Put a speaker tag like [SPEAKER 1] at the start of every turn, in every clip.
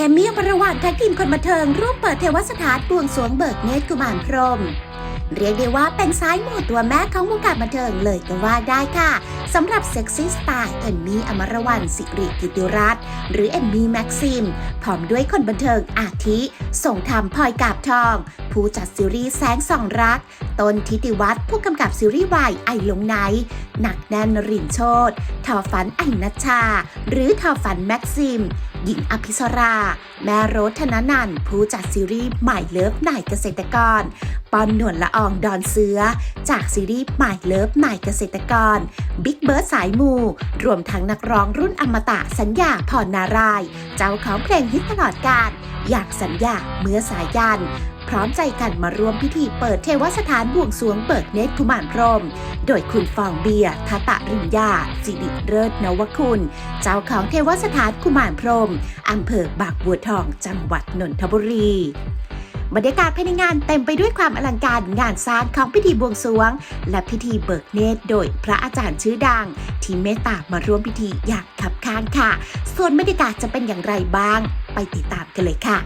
[SPEAKER 1] มมี่อมรวรรณแท็กทีมคนบันเทิงร่วมเปิดเทวสถานบวงสรวงเบิกเนตรกุมารพรหมเรียกได้ว่าเป็นซ้ายหมู่ตัวแม่ของวงการบันเทิงเลยก็ว่าได้ค่ะสำหรับเซ็กซี่สไตล์เอมมี่อมรวรรณสิริกิติรัตน์หรือเอมมี่แม็กซิมพร้อมด้วยคนบันเทิงอาทิส่งธรรมพลอยกาบทองผู้จัดซีรีส์แสงส่องรักต้นทิติวัฒน์ผู้กำกับซีรีส์วายไอหลงไหนหนักแน่นรินโชตทอฝันไอนัชชาหรือทอฝันแม็กซิมหญิงอภิสราแม่โรสธนนันท์ผู้จัดซีรีส์ใหม่เลิฟนายเกษตรกรปอนหนวลละอองดอนเสือจากซีรีส์ใหม่เลิฟนายเกษตรกรบิ๊กเบิร์ดสายมูรวมทั้งนักร้องรุ่นอมตะสัญญาพรนารายณ์เจ้าของเพลงฮิตตลอดกาลอยากสัญญาเมื่อสายันพร้อมใจกันมาร่วมพิธีเปิดเทวสถานบวงสรวงเบิกเนตรกุมารพรหมโดยคุณฟองเบียร์ทัตริญญาสิริเลิศนวคุณเจ้าของเทวสถานกุมารพรหมอำเภอบางบัวทองจังหวัดนนทบุรีบรรยากาศภายในงานเต็มไปด้วยความอลังการงานสร้างของพิธีบวงสรวงและพิธีเบิกเนตรโดยพระอาจารย์ชื่อดังที่เมตตามาร่วมพิธีอย่างคับข้างค่ะส่วนบรรยากาศจะเป็นอย่างไรบ้างไปติดตามกันเลยค่ะ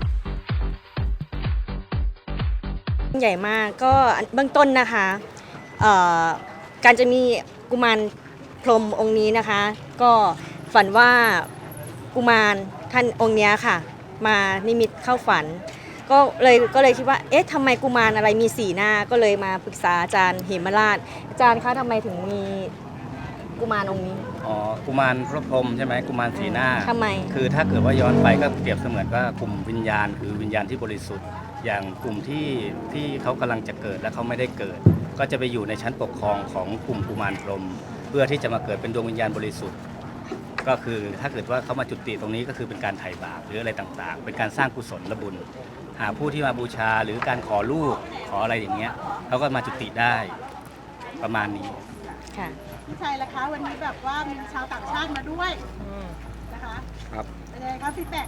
[SPEAKER 2] ใหญ่มากก็เบื้องต้นนะคะการจะมีกุมารพรหมองค์นี้นะคะก็ฝันว่ากุมารท่านองค์นี้ค่ะมานิมิตเข้าฝันก็เลยคิดว่าเอ๊ะทำไมกุมารอะไรมี4หน้าก็เลยมาปรึกษาอาจารย์เหมราชอาจารย์คะทำไมถึงมีกุมารองค์นี้
[SPEAKER 3] กุมารพระพรหมใช่ไหมกุมารสีหน้า
[SPEAKER 2] ทำไม
[SPEAKER 3] คือถ้าเกิดว่าย้อนไปก็เปรียบเสมือนว่ากลุ่มวิญญาณคือวิญญาณที่บริสุทธิ์อย่างกลุ่มที่เขากำลังจะเกิดและเขาไม่ได้เกิดก็จะไปอยู่ในชั้นปกครองของกลุ่มกุมารพรหมเพื่อที่จะมาเกิดเป็นดวงวิญญาณบริสุทธิ์ก็คือถ้าเกิดว่าเขามาจุติตรงนี้ก็คือเป็นการไถ่บาปหรืออะไรต่างๆเป็นการสร้างกุศลบุญหาผู้ที่มาบูชาหรือการขอลูกขออะไรอย่างเงี้ยเขาก็มาจุติได้ประมาณนี้
[SPEAKER 2] ค่ะ
[SPEAKER 4] พี่ชัยล่ะคะวันนี้แบบว่ามีชาวต่างชาติมาด้วยนะคะ
[SPEAKER 5] ครับ
[SPEAKER 4] เป็นไงครับฟีดแบ็ก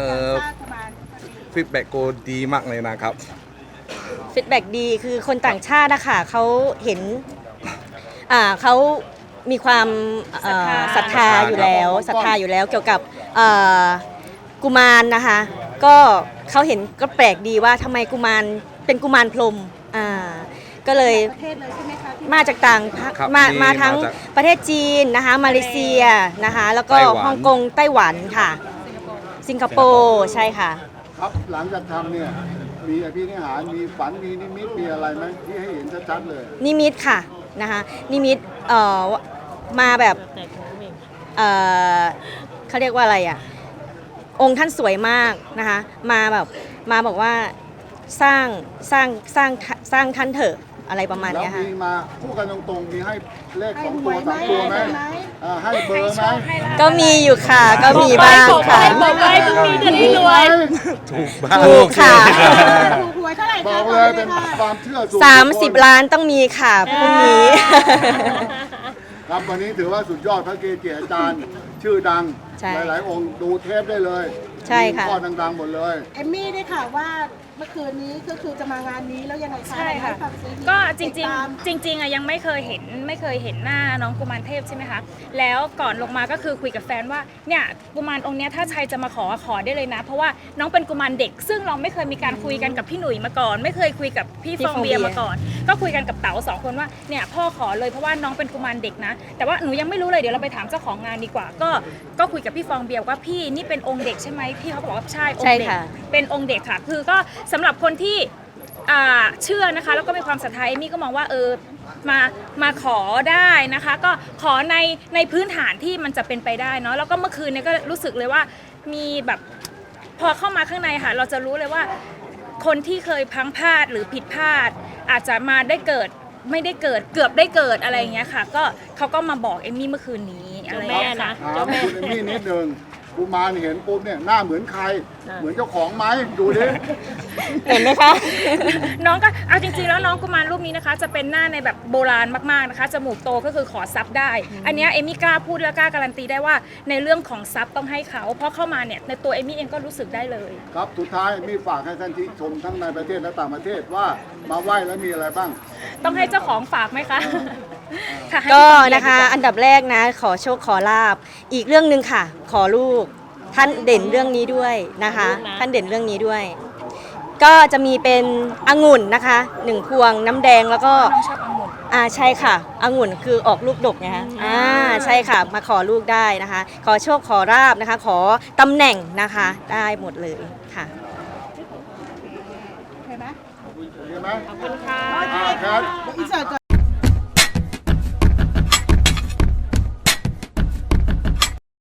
[SPEAKER 5] ฟีดแบ็กโกดีมากเลยนะครับ
[SPEAKER 2] ฟีดแบ็กดีคือคนต่างชาตินะคะเขาเห็นเขามีความศรัทธาอยู่แล้วเกี่ยวกับกุมารนะคะก็เขาเห็นก็แปลกดีว่าทำไมกุมารเป็นกุมารพรหมก็เลย
[SPEAKER 4] ประเทศเลยใช่ไหมคะ
[SPEAKER 2] มาจากต่างมาทั้งประเทศจีนนะคะมาเลเซียนะคะแล้วก็ฮ่องกงไต้หวันค่ะสิงคโปร์ใช่ค่ะ
[SPEAKER 6] ครับหลังจากทำเนี่ยมีอภินิหารมีฝันมีนิมิตมีอะไรไหมที่ให้เห็นชัดๆเลย
[SPEAKER 2] นิมิตค่ะนะคะนิมิตมาแบบเขาเรียกว่าอะไรอ่ะองค์ท่านสวยมากนะคะมาบอกว่าสร้างท่านเถอะอะไรประมาณนี้ค่ะ
[SPEAKER 6] แล้วมีมาพูดกันตรงๆมีให้เลข2 ตัว 3 ตัวไหมให้เบอร์ไหม
[SPEAKER 2] ก็มีอยู่ค่ะก็มีบ้างค่ะ
[SPEAKER 4] บอกไว้พรุ่งนี้จะได้รวย
[SPEAKER 2] ถูกค่ะ
[SPEAKER 4] ถูกหวยเท่าไหร่
[SPEAKER 6] บอกเลยเป็นความเชื่อส่วน
[SPEAKER 2] 30 ล้านต้องมีค่ะพรุ่งนี้
[SPEAKER 6] ครับวันนี้ถือว่าสุดยอดพระเกจิอาจารย์ชื่อดังหลายๆองค์ดูเทปได้เลย
[SPEAKER 2] ใช่ค่ะ
[SPEAKER 6] ข้อดังๆหมดเลย
[SPEAKER 4] เอมมี่ได้ข่าวว่าเมื่อคืนนี้ก็คือจะมางานนี้แล้วยังไงคะ
[SPEAKER 7] ใช่ค่ะก็จริงอ่ะยังไม่เคยเห็นหน้าน้องกุมารเทพใช่ไหมคะแล้วก่อนลงมาก็คือคุยกับแฟนว่าเนี่ยกุมารองค์เนี้ยถ้าใครจะมาขอได้เลยนะเพราะว่าน้องเป็นกุมารเด็กซึ่งเราไม่เคยมีการคุยกันกับพี่หนุ่ยมาก่อนไม่เคยคุยกับพี่ฟองเบียร์มาก่อนก็คุยกันกับเต๋า2 คนว่าเนี่ยพ่อขอเลยเพราะว่าน้องเป็นกุมารเด็กนะแต่ว่าหนูยังไม่รู้เลยเดี๋ยวเราไปถามเจ้าของงานดีกว่าก็คุยกับพี่ฟองเบียร์ว่าพี่นี่เป็นองค์เด็กใช่ไหมพี่เขาบอกว่าใช่องค์เด็กเป็นองค์เด็กค่ะคือก็สำหรับคนที่เชื่อนะคะแล้วก็มีความศรัทธาเอมี่ก็มองว่ามาขอได้นะคะก็ขอในพื้นฐานที่มันจะเป็นไปได้เนาะแล้วก็เมื่อคืนเนี่ยก็รู้สึกเลยว่ามีแบบพอเข้ามาข้างในค่ะเราจะรู้เลยว่าคนที่เคยพลั้งพลาดหรือผิดพลาดอาจจะมาได้เกิดไม่ได้เกิดเกือบได้เกิดอะไรอย่างเงี้ยค่ะก็เขาก็มาบอกเอมมี่เมื่อคืนนี้อะไรอย่างเงี้ยค่ะ
[SPEAKER 6] เจ้าแม่เอมมี่นิดนึงกุมารเห็นปุ๊บเนี่ยหน้าเหมือนใครเหมือนเจ้าของไหมดูดิ
[SPEAKER 2] เห็นไหมคะ
[SPEAKER 7] น้องก็เอาจริงๆแล้วน้องกุมารรูปนี้นะคะจะเป็นหน้าในแบบโบราณมากๆนะคะจมูกโตก็คือขอซับได้อันนี้เอมี่กล้าพูดและกล้าการันตีได้ว่าในเรื่องของซับต้องให้เขาเพราะเข้ามาเนี่ยในตัวเอมี่เองก็รู้สึกได้เลย
[SPEAKER 6] ครับสุดท้ายมีฝากให้ท่านที่ชมทั้งในประเทศและต่างประเทศว่ามาไหว้แล้วมีอะไรบ้าง
[SPEAKER 7] ต้องให้เจ้าของฝากไหมคะ
[SPEAKER 2] ก็นะคะอันดับแรกนะขอโชคขอลาภอีกเรื่องนึงค่ะขอลูกท่านเด่นเรื่องนี้ด้วยนะคะ ท่านเด่นเรื่องนี้ด้วย ก็จะมีเป็นองุ่นนะคะ1พวงน้ำแดงแล้วก็
[SPEAKER 7] น้องชอบองุ่น
[SPEAKER 2] ใช่ค่ะองุ่นคือออกลูกดกไงคะใช่ค่ะมาขอลูกได้นะคะ ขอโชคขอราบนะคะ ขอตำแหน่งนะคะได้หมดเลยค่ะ
[SPEAKER 4] เห็นไหม
[SPEAKER 6] เห็นไหม
[SPEAKER 7] ขอบคุณค่ะ
[SPEAKER 6] ครับ
[SPEAKER 4] อินเสิร์ตก่อน